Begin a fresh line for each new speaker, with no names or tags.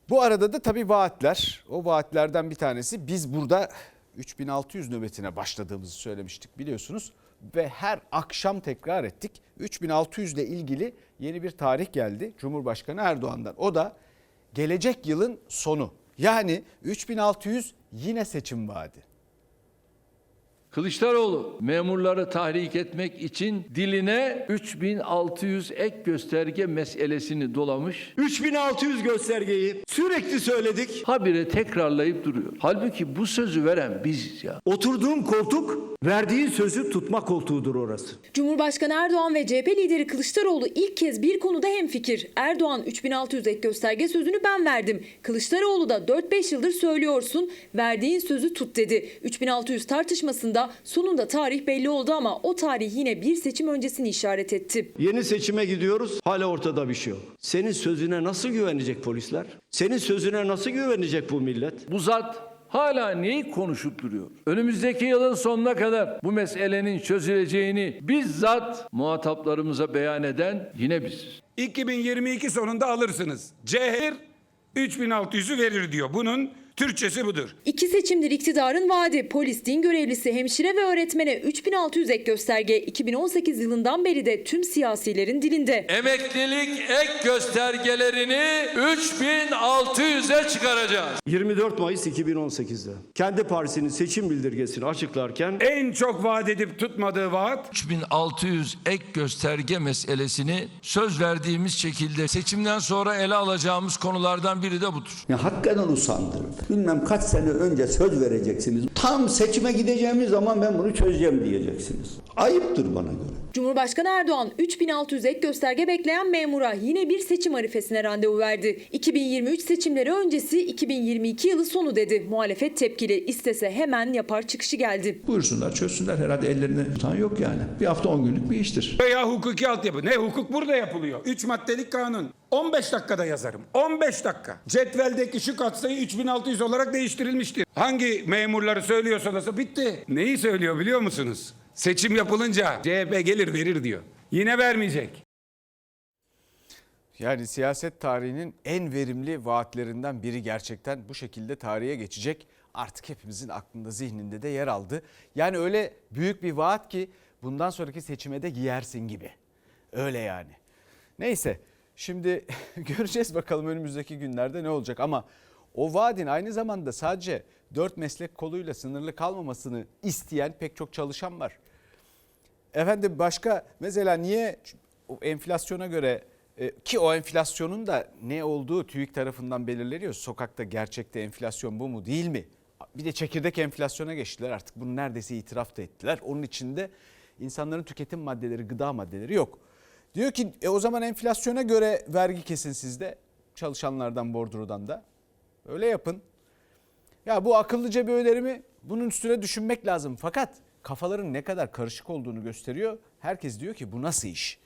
Bu arada da tabii vaatler. O vaatlerden bir tanesi, biz burada 3600 nöbetine başladığımızı söylemiştik biliyorsunuz. Ve her akşam tekrar ettik. 3600 ile ilgili yeni bir tarih geldi Cumhurbaşkanı Erdoğan'dan. O da gelecek yılın sonu. Yani 3600 yine seçim vaadi.
Kılıçdaroğlu memurları tahrik etmek için diline 3600 ek gösterge meselesini dolamış.
3600 göstergeyi sürekli söyledik.
Habire tekrarlayıp duruyor. Halbuki bu sözü veren biziz ya.
Oturduğun koltuk verdiğin sözü tutma koltuğudur orası.
Cumhurbaşkanı Erdoğan ve CHP lideri Kılıçdaroğlu ilk kez bir konuda hemfikir. Erdoğan 3600 ek gösterge sözünü ben verdim. Kılıçdaroğlu da 4-5 yıldır söylüyorsun, verdiğin sözü tut dedi. 3600 tartışmasında sonunda tarih belli oldu ama o tarih yine bir seçim öncesini işaret etti.
Yeni seçime gidiyoruz, hala ortada bir şey yok. Senin sözüne nasıl güvenecek polisler? Senin sözüne nasıl güvenecek bu millet?
Bu zat hala neyi konuşup duruyor? Önümüzdeki yılın sonuna kadar bu meselenin çözüleceğini bizzat muhataplarımıza beyan eden yine biziz.
2022 sonunda alırsınız. CHP 3600'ü verir diyor. Bunun Türkçesi budur.
İki seçimdir iktidarın vaadi. Polis, din görevlisi, hemşire ve öğretmene 3600 ek gösterge 2018 yılından beri de tüm siyasilerin dilinde.
Emeklilik ek göstergelerini 3600'e çıkaracağız.
24 Mayıs 2018'de kendi partisinin seçim bildirgesini açıklarken
En çok vaat edip tutmadığı vaat
3600 ek gösterge meselesini söz verdiğimiz şekilde seçimden sonra ele alacağımız konulardan biri de budur.
Ya hakikaten usandırdı. Bilmem kaç sene önce söz vereceksiniz. Tam seçime gideceğimiz zaman ben bunu çözeceğim diyeceksiniz. Ayıptır bana göre.
Cumhurbaşkanı Erdoğan 3600 ek gösterge bekleyen memura yine bir seçim arifesine randevu verdi. 2023 seçimleri öncesi 2022 yılı sonu dedi. Muhalefet tepkili, istese hemen yapar çıkışı geldi.
Buyursunlar, çözsünler, herhalde ellerinde tutan yok yani. Bir hafta 10 günlük bir iştir.
veya hukuki altyapı. Ne hukuk burada yapılıyor. 3 maddelik kanun. 15 dakikada yazarım. 15 dakika. Cetveldeki şu katsayı 3600 olarak değiştirilmiştir. Hangi memurları söylüyorsanız bitti. Neyi söylüyor biliyor musunuz? Seçim yapılınca CHP gelir verir diyor. Yine vermeyecek.
Yani siyaset tarihinin en verimli vaatlerinden biri gerçekten bu şekilde tarihe geçecek. Artık hepimizin aklında, zihninde de yer aldı. Yani öyle büyük bir vaat ki bundan sonraki seçime de giyersin gibi. Öyle yani. Neyse, şimdi göreceğiz bakalım önümüzdeki günlerde ne olacak. Ama o vaadin aynı zamanda sadece 4 meslek koluyla sınırlı kalmamasını isteyen pek çok çalışan var. Efendim başka mesela niye o enflasyona göre ki o enflasyonun da ne olduğu TÜİK tarafından belirleniyor. Sokakta gerçekte enflasyon bu mu değil mi? Bir de çekirdek enflasyona geçtiler, artık bunu neredeyse itiraf da ettiler. Onun içinde insanların tüketim maddeleri, gıda maddeleri yok. Diyor ki o zaman enflasyona göre vergi kesin sizde, çalışanlardan, bordrodan da. Öyle yapın. Ya bu akıllıca bir öneri mi? Bunun üstüne düşünmek lazım. Fakat kafaların ne kadar karışık olduğunu gösteriyor. Herkes diyor ki bu nasıl iş?